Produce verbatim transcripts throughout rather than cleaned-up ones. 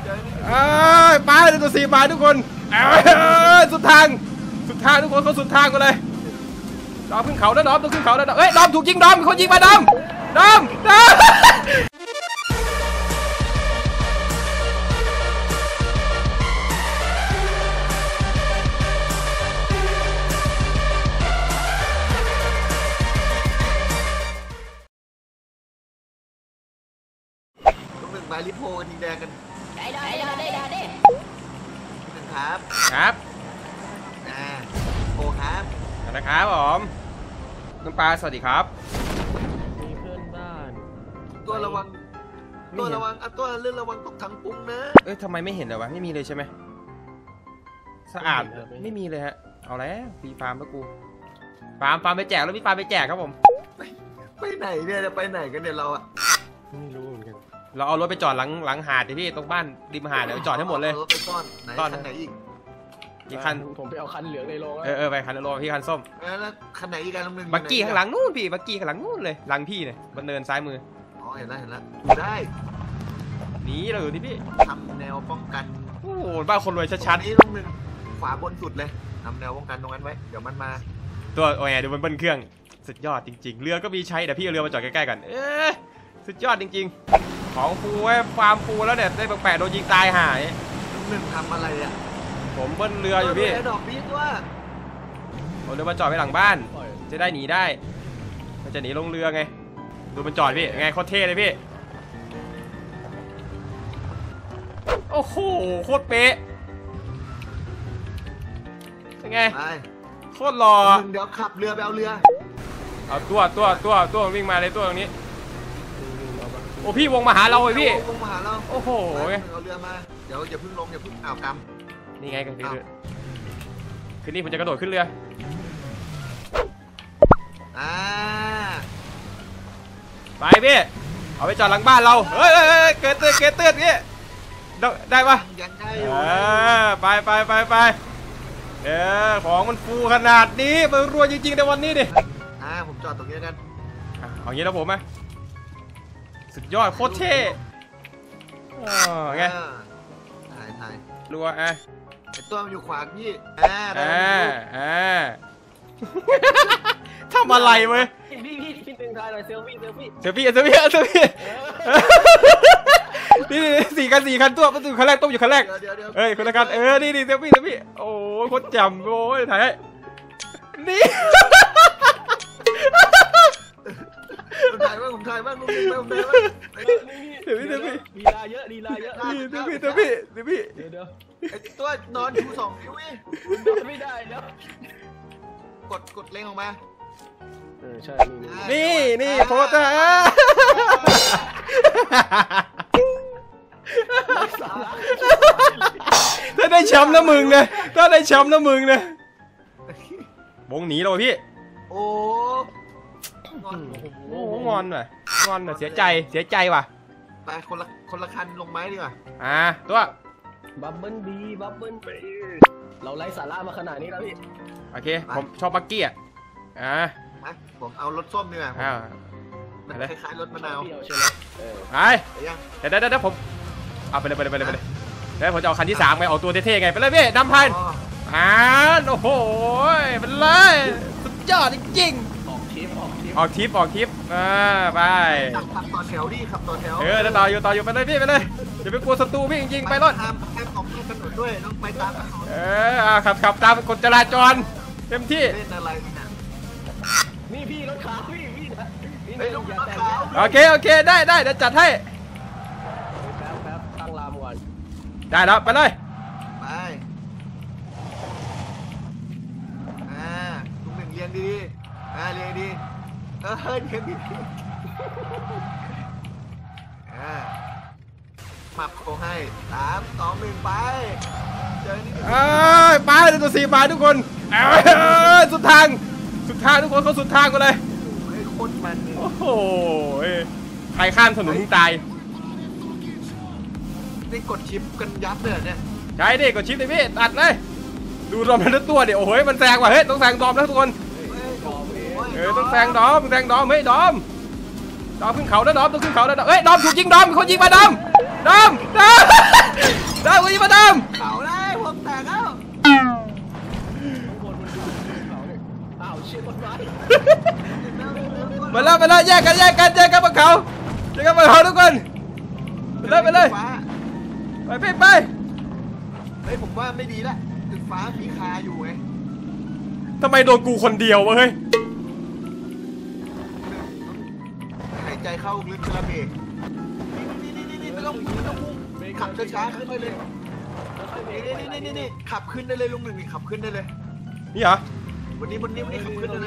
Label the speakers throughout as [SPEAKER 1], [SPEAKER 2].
[SPEAKER 1] เอ้ยไปเลยตัวสี่ไปทุกคนเอ้ยสุดทางสุดทางทุกคนเขาสุดทางกันเลยดอมขึ้นเขาแล้วดอมต้องขึ้นเขาแล้วเอ้ยดอมถูกยิงดอมเขายิงมาดอมดอมดอม
[SPEAKER 2] มาลิโพกันทีแดงกันได้ได้ได้ได้ได้หนึ่งครับ
[SPEAKER 1] ครับ
[SPEAKER 2] อ่าโอครับ
[SPEAKER 1] นะครับผมน้องปลาสวัสดีครับ
[SPEAKER 3] มีเพื่อนบ้าน
[SPEAKER 2] ตัวระวังตัวระวังอ่ะตัวเรื่องระวังตกถังปุ้งนะ
[SPEAKER 1] เอ้ยทำไมไม่เห็นเลยวะไม่มีเลยใช่ไหมสะอาดไม่มีเลยฮะเอาแล้วฟรีฟาร์มแล้วกูฟาร์มฟาร์มไปแจกแล้วพี่ฟาร์มไปแจกครับผม
[SPEAKER 2] ไปไหนเนี่ยจะไปไหนกันเนี่ยเราอะ
[SPEAKER 3] ไม่รู้เหมือนกัน
[SPEAKER 1] เราเอารถไปจอดหลังหลังหาดที่พี่ตรงบ้านริมหาดเดี๋ยวจอดให้หมดเลย
[SPEAKER 2] รถไปซ่อนไหนคันไหนอีก
[SPEAKER 1] อีกคัน
[SPEAKER 3] ผมไปเอาคันเหลืองในโรง
[SPEAKER 1] เออเออไปคันโลพี่คันส้ม
[SPEAKER 2] แล้วคันไหนอีกคันนึง
[SPEAKER 1] บักกี้ข้างหลังนู่นพี่บักกี้ข้างหลังนู่นเลยหลังพี่เนี่ยบนเนินซ้ายมือ
[SPEAKER 2] อ๋อเห็นแล้วเห็นแล้วได้
[SPEAKER 1] หนีเราอยู่ที่พี่
[SPEAKER 2] ทำแนวป้องกัน
[SPEAKER 1] โอ้โหบ้านคนรวยชัด
[SPEAKER 2] ๆนี่ตรงนึงขวาบนสุดเลยทำแนวป้องกันตรงนั้นไว้เดี๋ยวมันมา
[SPEAKER 1] ตัวโอ้ยดูมันเบิ้ลเครื่องสุดยอดจริงๆเรือก็มีใช้แต่พี่เอาเรือมาจอดใกล้ๆกันเอ๊ะสุดยอดจริงๆของฟูไว้ฟาร์มฟูแล้วเนี่ยได้แปลกๆโดนยิงตายหาย
[SPEAKER 2] หนึ่งทำอะไรอ่ะ
[SPEAKER 1] ผมเบิ้ลเรืออยู่พี่
[SPEAKER 2] ดอกบีด้วย
[SPEAKER 1] ผมเรือมาจอดไว้หลังบ้านจะได้หนีได้มันจะหนีลงเรือไงดูมันจอดพี่ไงโคตรเท่เลยพี่โอ้โหโคตรเป๊ะเป็นไงโคตรหล่อ
[SPEAKER 2] เดี๋ยวขับเรือไปเอาเรือ
[SPEAKER 1] เอาตัวตัวตัวตัววิ่งมาเลยตัวตรงนี้โอ้พี่วงมาหาเราเลยพี่
[SPEAKER 2] วงมาหาเรา
[SPEAKER 1] โอ้โห
[SPEAKER 2] เอาเรือมาเดี๋ยวอย่าพึ่งลงอย่าพึ่งอ้าวกำ
[SPEAKER 1] นี่ไงกันคือคืนนี้ผมจะกระโดดขึ้นเรือ
[SPEAKER 2] อ่า
[SPEAKER 1] ไปพี่เอาไปจอดหลังบ้านเราเฮ้ยเกิดเตือนเกิดเตือนพี่ได้ปะ
[SPEAKER 2] ยังได้อยู่
[SPEAKER 1] ไปไปไปไปเออของมันฟูขนาดนี้มันรวยจริงๆในวันนี้ดิ
[SPEAKER 2] อ่าผมจอดตรงนี้กัน
[SPEAKER 1] เอางี้แล้วผมไหมสุดยอดโคตรเท่ไง
[SPEAKER 2] ถ่ายถ่าย
[SPEAKER 1] รัวอ่ะ
[SPEAKER 2] ไอตัวมันอยู่ขวาพี่อ่า
[SPEAKER 1] อ่าอ่าทำอะไรเว้ย
[SPEAKER 3] พี่พี่พี่ตึงถ่ายหน่อยเซลฟี่เซลฟี่
[SPEAKER 1] เซลฟี่เซลฟี่เซลฟี่นี่สี่คันสี่คันตัวประตูคันแรกต้มอยู่คันแรกเอ้ยคนละคันเออนี่นี่เซลฟี่เซลฟี่โอ้โคตรจำโอ้ยถ่ายนี่
[SPEAKER 2] ผมถ่ายบ้างผมถ่ายบ้างผมถ่ายบ้างผมถ่ายบ้าง
[SPEAKER 1] เดี๋ยวพี่เดี๋ยวพี่
[SPEAKER 3] ลีลาเยอะลีลาเยอะ
[SPEAKER 1] เดี๋ยวพี่เดี๋ยวพี่เดี๋ยวพี่
[SPEAKER 3] เดี๋ยวเดี๋ยว
[SPEAKER 2] ไอตัวนอนชูสองนิ้วนี่
[SPEAKER 3] นอนไม่ได้เดี๋ยว
[SPEAKER 2] กดกดเล็งออกมา
[SPEAKER 3] เออใช่
[SPEAKER 1] นี่นี่โพสต์อ่ะถ้าได้แชมป์นะมึงนะถ้าได้แชมป์นะมึงนะวงหนีเราพี่
[SPEAKER 2] โอ้
[SPEAKER 1] โอ้งอนหน่อยงอนหน่อยเสียใจเสียใจว่ะ
[SPEAKER 2] ไปคนละคนละคันลงไม้ดีกว่า
[SPEAKER 1] อ่าตัว
[SPEAKER 3] บับเบิ้ลบีบับเบิ้ลบีเราไล่สาระมาขนาดนี้แล้วพี่
[SPEAKER 1] โอเคผมชอบบักกี้อ่ะอ่า
[SPEAKER 2] ผมเอารถส้มดีกว่า
[SPEAKER 1] อ่า
[SPEAKER 2] มันคล้ายๆรถมะนาว
[SPEAKER 1] ไปเดี๋ยวเดี๋ยวผมเอาไปเลยไปเลยไปเลยไปเลยแล้วผมจะเอาคันที่สามไงเอาตัวเท่ๆไงไปเลยพี่นำพันอ่าโอ้โหเป็นเลยสุดยอดจริง
[SPEAKER 3] ออกทริปออกทริป
[SPEAKER 1] ออกทริปออกทริปอ่าไป
[SPEAKER 2] ขับต่อแถวดิขับต่อแถว
[SPEAKER 1] เออต่ออยู่ต่ออยู่ไปเลยพี่ไปเลยอย่าไปกลัวศัตรูพี่จริงๆไปรถ
[SPEAKER 2] ห้ามห้ามออกถนนด้วยต้องไปตามถนน
[SPEAKER 1] เออขับขับตามกฎจราจรเต็มที่
[SPEAKER 2] เล่นอะไรเนี่ย
[SPEAKER 3] นี่พี่รถขาวพี่พี่นะ
[SPEAKER 2] ไอ้ลูกรถขาว
[SPEAKER 1] โอเคโอเคได้ได้เดี๋ยวจัดให้
[SPEAKER 3] แป๊บแป๊บตั้งลามก่อน
[SPEAKER 1] ได้แล้วไปเลย
[SPEAKER 2] ไปอ่าลุงหนึ่งเรียนดีอ่าเรียนดีเออเรียนดีอ่ามับโค้งให้สามสองหนึ่งไปเจอนี่
[SPEAKER 1] เอ้ยไปเลยตัวสี่ไปทุกคนเอ้ยสุดทางสุดทางทุกคนเขาสุดทางกันเลย
[SPEAKER 2] โคตรมัน
[SPEAKER 1] โอ้โหใครข้ามถนนตาย
[SPEAKER 2] นี่กดชิปกันยับเลยเนี่ย
[SPEAKER 1] ใช่ดิกดชิปเลยพี่ตัดเลยดูดอมทั้งตัวเดี๋ยวโอ้โหมันแซงว่ะเฮ้ยต้องแซงดอมแล้วทุกคนเออต้องแซงดอมแซงดอมเฮ้ยดอมดอมขึ้นเขาแล้วดอมต้องขึ้นเขาแล้วเฮ้ยดอมถูกยิงดอมเขายิงมาดอมดอมดอมมาแล้วมาแล้วแยกกันแยกกันแยกกันบนเขาแยกกันบนเขาทุกคนไปเลยไปเลยไปไปไป
[SPEAKER 2] เฮ้ยผมว่าไม่ดีละตึกฟ้ามีคาอยู่ไง
[SPEAKER 1] ทำไมโดนกูคนเดียววะเฮ้ย
[SPEAKER 2] หายใจเข้าลึกกระเบกนี่นี่นี่นี่ไม่ต้องไม่ต้องพุ่งขับช้าๆขึ้นไปเลยนี่นี่นี่นี่ขับขึ้นได้เลยลุงหนึ่งนี่ขับขึ้นได้เลย
[SPEAKER 1] นี่เหรอ
[SPEAKER 2] วันนี้วันนี้วันนี้ขับขึ้นได้เลย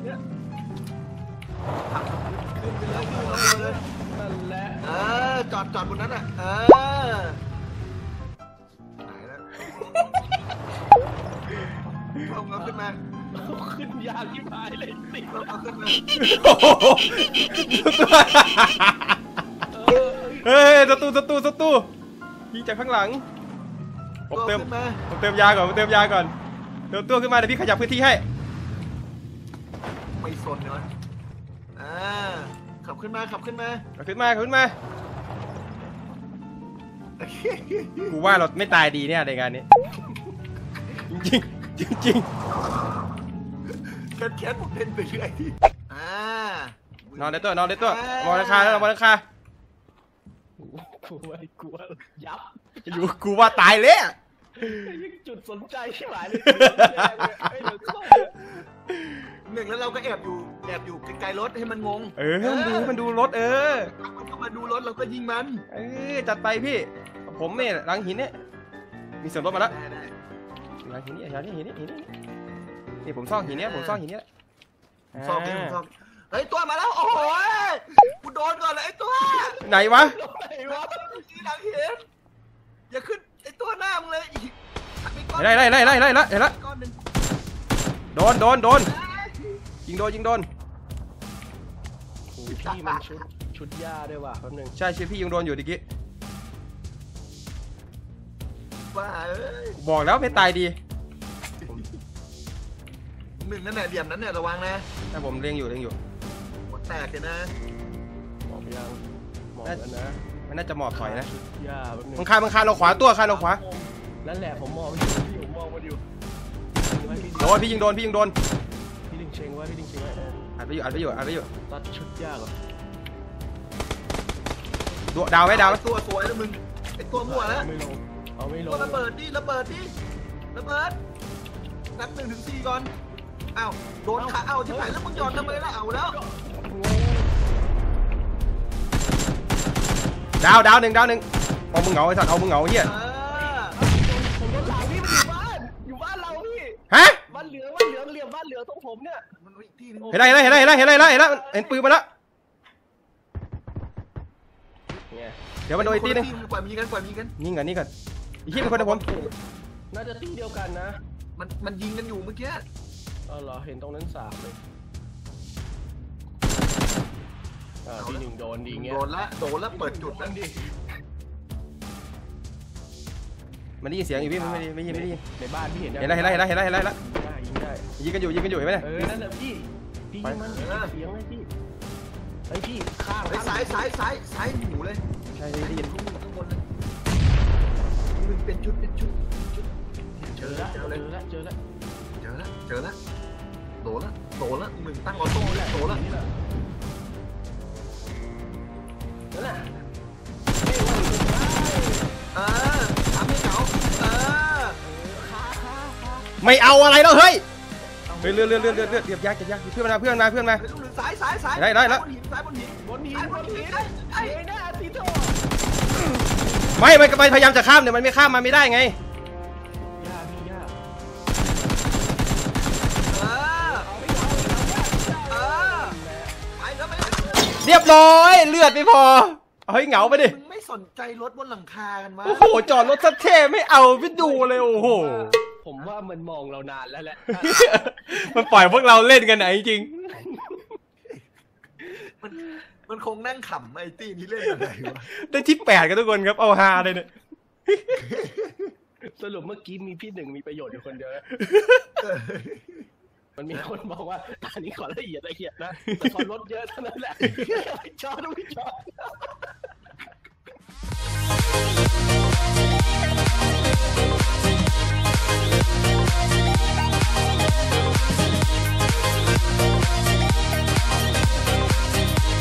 [SPEAKER 2] ขับขึ้นไปเลยขึ้นไปเลย
[SPEAKER 3] นั่นแหละ
[SPEAKER 2] เออจอดจอดบนนั้นอ่ะเออหายแล้วเอาเงาขึ้นมา
[SPEAKER 3] ขึ้นยากที่พายเลยติด
[SPEAKER 2] เอาขึ้นมา
[SPEAKER 1] โอ้โหเฮ้ยสตูสตูสตูยิงจากข้างหลังผมเติม
[SPEAKER 2] ขึ้นมา
[SPEAKER 1] ผมเติมยาก่อนผมเติมยาก่อนเติมตัวขึ้นมาเดี๋ยวพี่ขยับพื้นที่ให้
[SPEAKER 2] ไม่สนเลยวะอ่าขับขึ้นมาขับขึ้นมา
[SPEAKER 1] เอาขึ้นมาขึ้นมากูว่าเราไม่ตายดีเนี่ยในงานนี้จริงจริงจริง
[SPEAKER 2] แคทแคทผมเล่นไปเรื่อยอ่าน
[SPEAKER 1] อนได้ตัวนอนได้ตัวมองราคาแล้วมองราคา
[SPEAKER 3] กลัวกลัวยับ
[SPEAKER 1] อยู่กูว่าตายเลย
[SPEAKER 3] จุดสนใจใช่ไหมเลย
[SPEAKER 2] หนึ่งแล้วเราก็แอบอยู่แอบอยู่ไกลๆรถให้มันงง
[SPEAKER 1] เออมันดูมันดูรถเออ
[SPEAKER 2] มันก็มาดูรถเราก็ยิงมัน
[SPEAKER 1] เออจัดไปพี่ผมเนี่ยหลังหินเนี่ยมีเสียงรถมาแล้ว
[SPEAKER 2] ได้ได้
[SPEAKER 1] หลังหินนี่หลังหินนี่หินนี่นี่ผมซ่องหินเนี้ยผมซ่องหินเนี้ย
[SPEAKER 2] ซ่อมดิผมซ่อมเฮ้ยตัวมาแล้วโอ้โหกูโดนก่อนเลยไอ้ตัว
[SPEAKER 1] ไหนวะ
[SPEAKER 2] ไอ้วะที่หลังเห็นอย่าขึ้นไอ้ตัวหน้ามึงเลยอีก
[SPEAKER 1] ไล่ไล่ไล่ไล่ไล่ไล่เห็นละ
[SPEAKER 2] ก้อนหนึ่ง
[SPEAKER 1] โดนโดนโดนยิงโดนยิงโดน
[SPEAKER 3] พี่มันชุดชุดหญ้าด้วยว่ะแป๊บนึง
[SPEAKER 1] ใช่ชื่อพี่ยิงโดนอยู่ดิกี้
[SPEAKER 2] ว่าเอ้ย
[SPEAKER 1] บอกแล้วไม่ตายดี
[SPEAKER 2] หนึ่งนั่นแหละเหลี่ยมนั้นเนี่ยระวังนะ
[SPEAKER 1] ถ้าผมเลี้ยงอยู่เลี้ยงอยู่
[SPEAKER 2] หัวแตกเลยนะ
[SPEAKER 3] หมอบยังหมอบแล้วนะ
[SPEAKER 1] มันน่าจะหมอบถอยนะ
[SPEAKER 3] หญ้าแป๊บนึง
[SPEAKER 1] มึงคานมึงคานเราขวาตัวคานเราขวา
[SPEAKER 3] นั่นแหละผมมองอยู่พี่ผมมองมันอยู่
[SPEAKER 1] โดนพี่ยิงโดนพี่ยิงโดน
[SPEAKER 3] พี่ดึงเชงไว้พี่ดึงเชงไว้
[SPEAKER 1] อัดไปอยู่อัดไปอยู่อัดไปอยู่
[SPEAKER 3] ตัดชุดหญ้าก่อน
[SPEAKER 1] ตัวดาวไหมดาวไหม
[SPEAKER 2] ตัวสวยแล้วมึงไอ้ตัวมั่วแล้ว
[SPEAKER 3] ไม่ลงเอาไม่ล
[SPEAKER 2] ตัว
[SPEAKER 3] ง
[SPEAKER 2] ระเบิดดิระเบิดดิระเบิดนับหนึ่งถึงสี่ก่อนอ้าวโดนขาเอาที่ไหนแล้วมึงหย่อนทำไมล่ะเอาแล้ว
[SPEAKER 1] ดาวดาวหนึ่งดาวหนึ่งเอามึงเหงาไอ้สัตว์เอามึงเหงาเฮีย
[SPEAKER 2] เออ
[SPEAKER 3] ผมโดนหลังพี่มันอยู่บ้านอยู่บ้านเราพี่
[SPEAKER 1] ฮะ
[SPEAKER 3] บ้านเหลืองบ้านเหลืองเหลี่ยมบ้านเหลืองตรงผมเนี่ย
[SPEAKER 2] มันอีกที่นึง
[SPEAKER 1] เห็นไรเห็นไรเห็นไรเห็นไรเห็นไรเห็นไรเห็นไรเห็นปืนมาแล้ว
[SPEAKER 3] เนี่ย
[SPEAKER 1] เดี๋ยวมันโดนอีกทีนึง
[SPEAKER 2] ปล่อยมีกันปล่อยมีกัน
[SPEAKER 1] นี่ก่อนนี่ก่อนอีกทีเป็นคนเดียวผม
[SPEAKER 3] น่าจะตีเดียวกันนะ
[SPEAKER 2] มันมันยิงกันอยู่เมื่อกี้
[SPEAKER 3] อ๋อเหรอเห็นตรงนั้นสามเลยอ่าที่หนึ่งโดนดีเงี้ย
[SPEAKER 2] โดนละโดนละเปิดจุดแล้วดิ
[SPEAKER 1] มันได้ยินเสียงอยู่พี่ไม่ได้ไม่ได้ยินไม่ได้ยิน
[SPEAKER 3] ในบ้านพี่เห็น
[SPEAKER 1] เห็นไรเห็นไรเห็นไรเห็นไรเห็นไรแล้ว
[SPEAKER 3] ได้ยิงได้
[SPEAKER 1] ยิงกันอยู่ยิงกันอยู่เห็นไหมเนี่ย
[SPEAKER 3] เออนั่นแหละพี่พี่ยิงมันพี่เสียงเลยพี่ไอ้พี่ข้าง
[SPEAKER 2] ไอ้สายสายสายสายหูเลย
[SPEAKER 1] ใช่ได้ยิน
[SPEAKER 2] ข้างบนข้างบนเลยมึงเป็นชุดเป็นชุดชุดเจ
[SPEAKER 3] เจ
[SPEAKER 2] อ
[SPEAKER 3] อ
[SPEAKER 2] แล้
[SPEAKER 3] แล้ว ว
[SPEAKER 2] เจอเลย
[SPEAKER 3] เจอแล้วเจอแล้ว
[SPEAKER 2] เจอแล้วเจอแล้วโดนละโดนละหนึ่งตั้งออโต้เลยโดนละ
[SPEAKER 3] นี่แหละนั่นแหละ
[SPEAKER 2] เออทำให้เขาเออ
[SPEAKER 1] ไม่เอาอะไรแล้วเฮ้ยเฮ้ยเลือดเลือดเลือดเลือดเลือดเรียบยากเรียบยากเพื่อนมาเพื่อนมาเพื่อนมา
[SPEAKER 2] ไอ้ลูกหนึ่งสายสายสาย
[SPEAKER 1] ได้ได้แล้ว
[SPEAKER 2] บนหินสายบนหิน
[SPEAKER 3] บนหิน
[SPEAKER 2] สาย
[SPEAKER 3] บบ น
[SPEAKER 2] น
[SPEAKER 3] หิ
[SPEAKER 2] หิ
[SPEAKER 3] น
[SPEAKER 2] นไอ้ไอ้
[SPEAKER 3] ไอ้หน้าตีโถ
[SPEAKER 1] ไม่มันพยายามจะข้ามเนี่ยมันไม่ข้ามมาไม่ได้ไง
[SPEAKER 3] ยากพี่ยาก
[SPEAKER 2] เออเออไปแล้วไป
[SPEAKER 1] เรียบร้อยเลือดไม่พอเฮ้ยเหงาไปดิ
[SPEAKER 2] มึงไม่สนใจรถบนหลังคากันวะ
[SPEAKER 1] โอ้โหจอดรถสักเท่ไม่เอาไปดูเลยโอ้โห
[SPEAKER 3] ผมว่ามันมองเรานานแล้วแหละ
[SPEAKER 1] มันปล่อยพวกเราเล่นกันไหนจริง
[SPEAKER 2] มันมันคงนั่งขำไอ้ตี้นี้เล่นอะไรวะ
[SPEAKER 1] ได้ที่แปดกันทุกคนครับเอาฮาเลยเนี่ย
[SPEAKER 3] สรุปเมื่อกี้มีพี่หนึ่งมีประโยชน์อยู่คนเดียวนะมันมีคนบอกว่าอันนี้ขอละเอียดละเอียดนะแต่พอลดเยอะเท่านั้นแหละจอดไม่จอด